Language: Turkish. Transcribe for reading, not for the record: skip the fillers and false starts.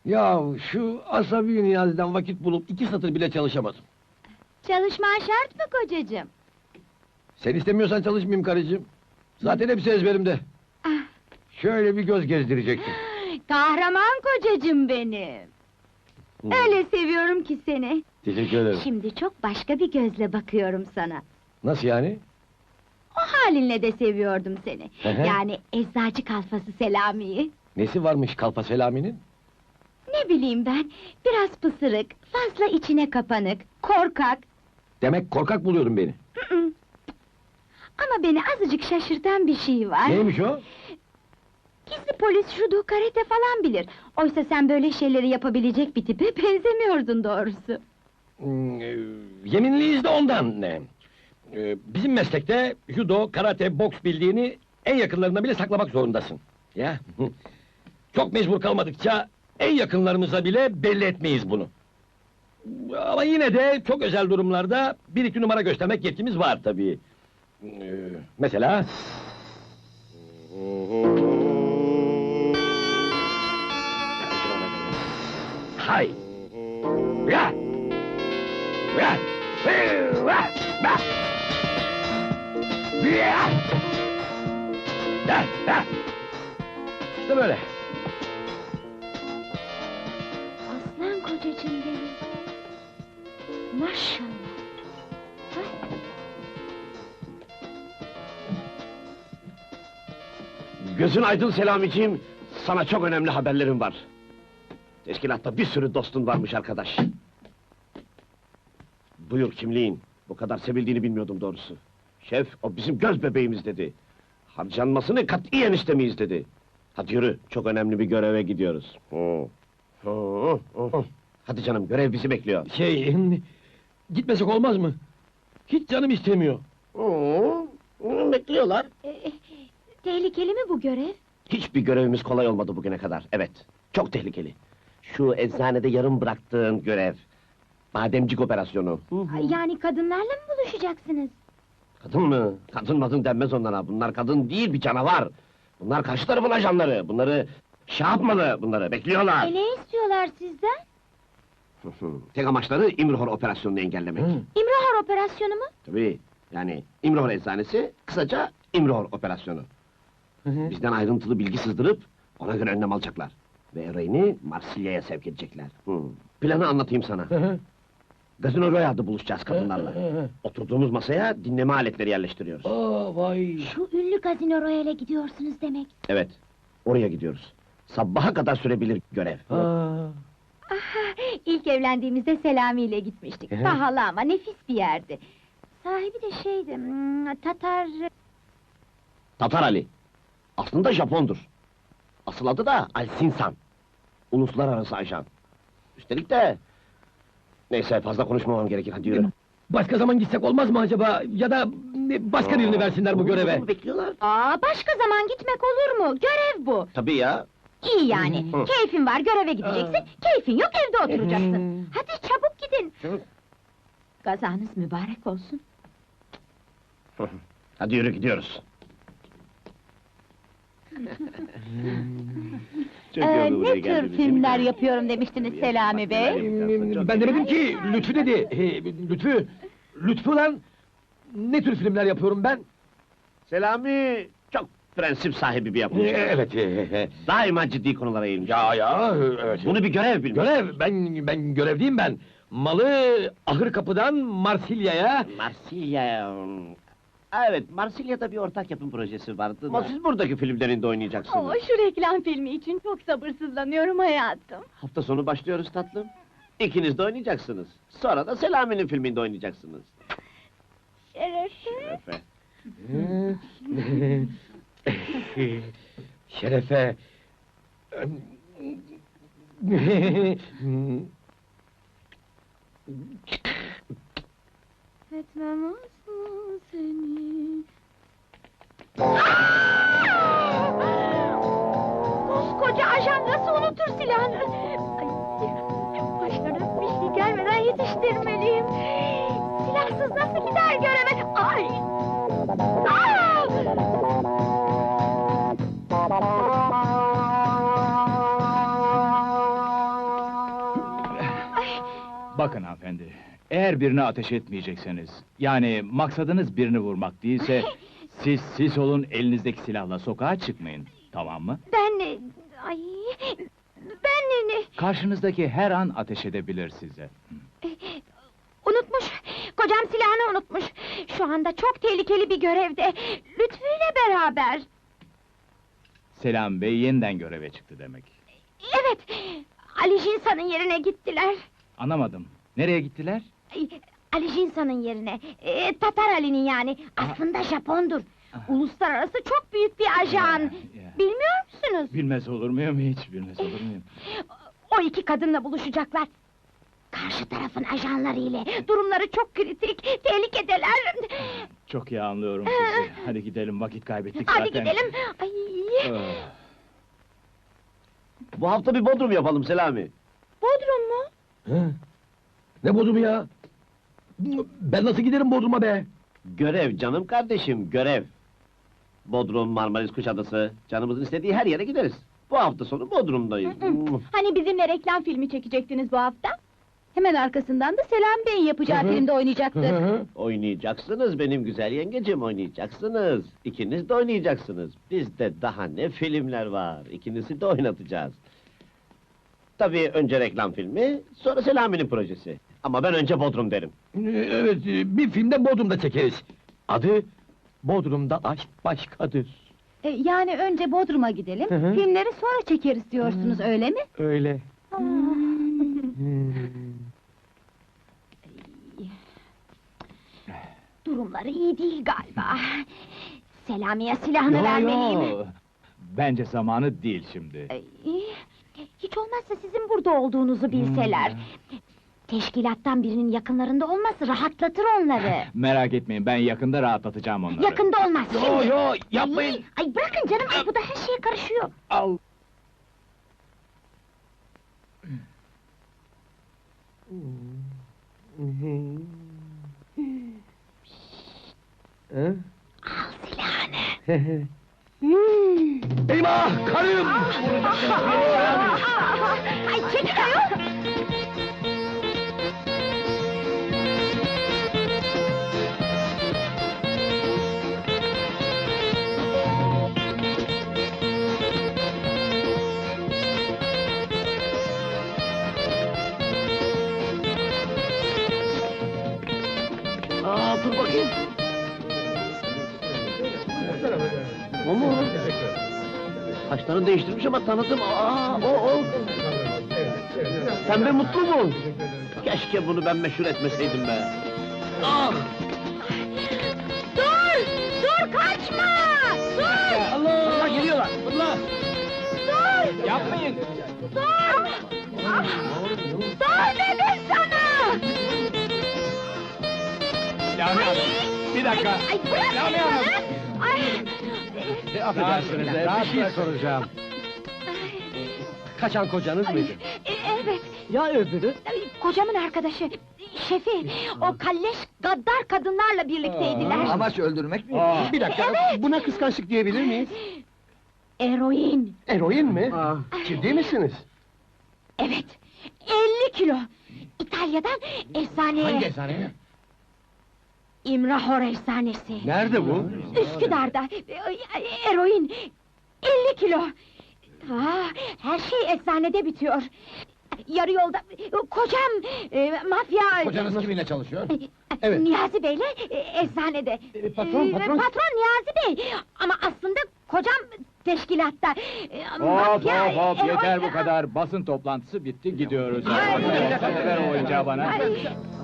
Ya şu asabi Niyazi'den vakit bulup 2 satır bile çalışamadım. Çalışman şart mı kocacığım? Sen istemiyorsan çalışmayayım karıcığım. Zaten hepsi ezberimde. Ah, Şöyle bir göz gezdirecektim. kahraman kocacığım benim! Öyle seviyorum ki seni! Teşekkür ederim. Şimdi çok başka bir gözle bakıyorum sana. Nasıl yani? O halinle de seviyordum seni. Hı hı. Yani eczacı kalfası Selami'yi. Nesi varmış Kalfa Selami'nin? Ne bileyim ben, biraz pısırık, fazla içine kapanık, korkak. Demek korkak buluyordun beni. Hı hı. Ama beni azıcık şaşırtan bir şey var. Neymiş o? Gizli polis, judo, karate falan bilir. Oysa sen böyle şeyleri yapabilecek bir tipe benzemiyordun doğrusu. Yeminliyiz de ondan. Bizim meslekte judo, karate, boks bildiğini en yakınlarına bile saklamak zorundasın. Ya. Çok mecbur kalmadıkça en yakınlarımıza bile belli etmeyiz bunu. Ama yine de çok özel durumlarda bir iki numara göstermek yetkimiz var tabii. Mesela... Hay! Ya! Ya! İşte böyle. Aslan kocacığım benim. Maşallah. Ay, Gözün aydın Selamiciğim, sana çok önemli haberlerim var. Teşkilatta bir sürü dostun varmış arkadaş. Buyur kimliğin, bu kadar sevildiğini bilmiyordum doğrusu. Şef, o bizim göz bebeğimiz dedi. Harcanmasını katiyen istemeyiz dedi. Hadi yürü, çok önemli bir göreve gidiyoruz. Hadi canım, görev bizi bekliyor. Gitmesek olmaz mı? Hiç canım istemiyor. Bekliyorlar. tehlikeli mi bu görev? Hiçbir görevimiz kolay olmadı bugüne kadar, evet. Çok tehlikeli. Şu eczanede yarım bıraktığın görev. Bademcik operasyonu. Yani kadınlarla mı buluşacaksınız? Kadın mı? Kadın madın denmez onlara. Bunlar kadın değil, bir canavar. Bunlar karşı tarafın ajanları. Bunları şey yapmalı, bunları bekliyorlar. Ne istiyorlar sizden? Tek amaçları İmrihor operasyonunu engellemek. İmrahor operasyonu mu? Tabii, yani İmrihor eczanesi, kısaca İmrihor operasyonu. Bizden ayrıntılı bilgi sızdırıp, ona göre önlem alacaklar. Ve Ereğin'i Marsilya'ya sevk edecekler. Planı anlatayım sana. Gazino Royale'da buluşacağız kadınlarla. Oturduğumuz masaya dinleme aletleri yerleştiriyoruz. Aa vay! Şu ünlü Gazino Royale'e gidiyorsunuz demek. Evet, oraya gidiyoruz. Sabaha kadar sürebilir görev. Aha, ilk evlendiğimizde Selami ile gitmiştik. Pahalı ama nefis bir yerdi. Sahibi de şeydi, Tatar... Tatar Ali. Aslında Japondur. Asıl adı da Alsinsan. Uluslararası ajan. Üstelik de... Neyse, fazla konuşmamam gerekir, hadi yürü. Başka zaman gitsek olmaz mı acaba? Ya da başka birini versinler bu göreve. Bekliyorlar. Başka zaman gitmek olur mu? Görev bu. Tabii ya. İyi yani, keyfin var, göreve gideceksin, keyfin yok, evde oturacaksın. Hadi çabuk gidin. Çabuk. Gazanız mübarek olsun. Hadi yürü, gidiyoruz. Ne tür filmler yapıyorum demiştiniz Selami Bey? Ben demedim ki, Lütfü dedi. Lütfü lan! Ne tür filmler yapıyorum ben? Selami çok prensip sahibi bir yapımcı. Evet. Daima ciddi konulara eğilmiş. Evet. Bunu bir görev bilmiş. Görev, ben görevliyim ben. Malı ahır kapıdan Marsilya'ya... Marsilya... Evet, Marsilya'da bir ortak yapım projesi vardı ama siz buradaki filmlerinde oynayacaksınız. Şu reklam filmi için çok sabırsızlanıyorum hayatım. Hafta sonu başlıyoruz tatlım. İkiniz de oynayacaksınız. Sonra da Selami'nin filminde oynayacaksınız. Şerefe. Şerefe... Etmem olsun seni. Koskoca ajan nasıl unutur silahını? Başlarına bir şey gelmeden yetiştirmeliyim. Silahsız nasıl gider göreve? Ay! Bakın hanımefendi, eğer birine ateş etmeyecekseniz, yani maksadınız birini vurmak değilse, siz olun, elinizdeki silahla sokağa çıkmayın, tamam mı? Ay... Karşınızdaki her an ateş edebilir size. Unutmuş! Kocam silahını unutmuş! Şu anda çok tehlikeli bir görevde! Lütfü ile beraber! Selam Bey yeniden göreve çıktı demek. Evet! Ali Jinsa'nın yerine gittiler! Anlamadım, nereye gittiler? Ali Jinsa'nın yerine, Tatar Ali'nin yani, aslında Japondur! Uluslararası çok büyük bir ajan! Ya. Bilmiyor musunuz? Bilmez olur muyum hiç, bilmez olur muyum? O iki kadınla buluşacaklar! Karşı tarafın ajanları ile, durumları çok kritik, tehlikedeler! Çok iyi anlıyorum sizi. Hadi gidelim, vakit kaybettik Hadi zaten. gidelim! Ay. Ah. Bu hafta bir Bodrum yapalım Selami. Bodrum mu? Hı? Ne Bodrum ya? Ben nasıl giderim Bodrum'a be? Görev canım kardeşim, görev. Bodrum, Marmaris, Kuşadası, canımızın istediği her yere gideriz. Bu hafta sonu Bodrum'dayız. Hani bizimle reklam filmi çekecektiniz bu hafta? Hemen arkasından da Selam Bey'in yapacağı Hı hı. filmde oynayacaktı. Oynayacaksınız benim güzel yengecim, oynayacaksınız. İkiniz de oynayacaksınız. Bizde daha ne filmler var, ikinizi de oynatacağız. Tabii önce reklam filmi, sonra Selami'nin projesi. Ama ben önce Bodrum derim. Evet, bir filmde Bodrum'da çekeriz. Adı Bodrum'da Aşk Başkadır. Yani önce Bodrum'a gidelim, Hı hı. filmleri sonra çekeriz diyorsunuz, öyle mi? Öyle. Durumları iyi değil galiba. Selami'ye silahını vermeliyim. Bence zamanı değil şimdi. Hiç olmazsa sizin burada olduğunuzu bilseler. Teşkilattan birinin yakınlarında olması rahatlatır onları. Merak etmeyin, ben yakında rahatlatacağım onları. Yakında olmaz şimdi. Yo, yapmayın! Ay bırakın canım, ay bu da her şeye karışıyor. Al! Al silahını. Eyvah! Karım! Ay çekil ayol! Dur bakayım. O mu? Saçlarını değiştirmiş ama tanıdım. O. Pembe mutlu mu? Keşke bunu ben meşhur etmeseydim be. Ah! Dur kaçma! Dur! Allah geliyorlar! Allah! Dur! Yapmayın! Dur! Dur dedim sana! Lami Hanım, bir dakika! Ay bırak Lami Hanım! Ay! Affedersiniz, bir şey soracağım. Kaçan kocanız mıydı? Evet, Ya öbürü? kocamın arkadaşı, şefi, o kalleş, gaddar kadınlarla birlikteydiler. Amaç öldürmek mi? Bir dakika, buna kıskançlık diyebilir miyiz? Eroin, Eroin mi? Ciddi misiniz? evet, 50 kilo! İtalya'dan efsaneye... Hangi eczane? İmrahor efsanesi. Nerede bu? Üsküdar'da, eroin, 50 kilo! Her şey efsanede bitiyor. Yarı yolda, kocam, mafya... Kocanız kiminle çalışıyor? Evet. Niyazi Bey'le efsanede. Patron. Patron Niyazi Bey! Ama aslında kocam teşkilatta. Hop yeter bu kadar! Basın toplantısı bitti, gidiyoruz. Ay. Hadi ver o oyuncağı bana. Ay.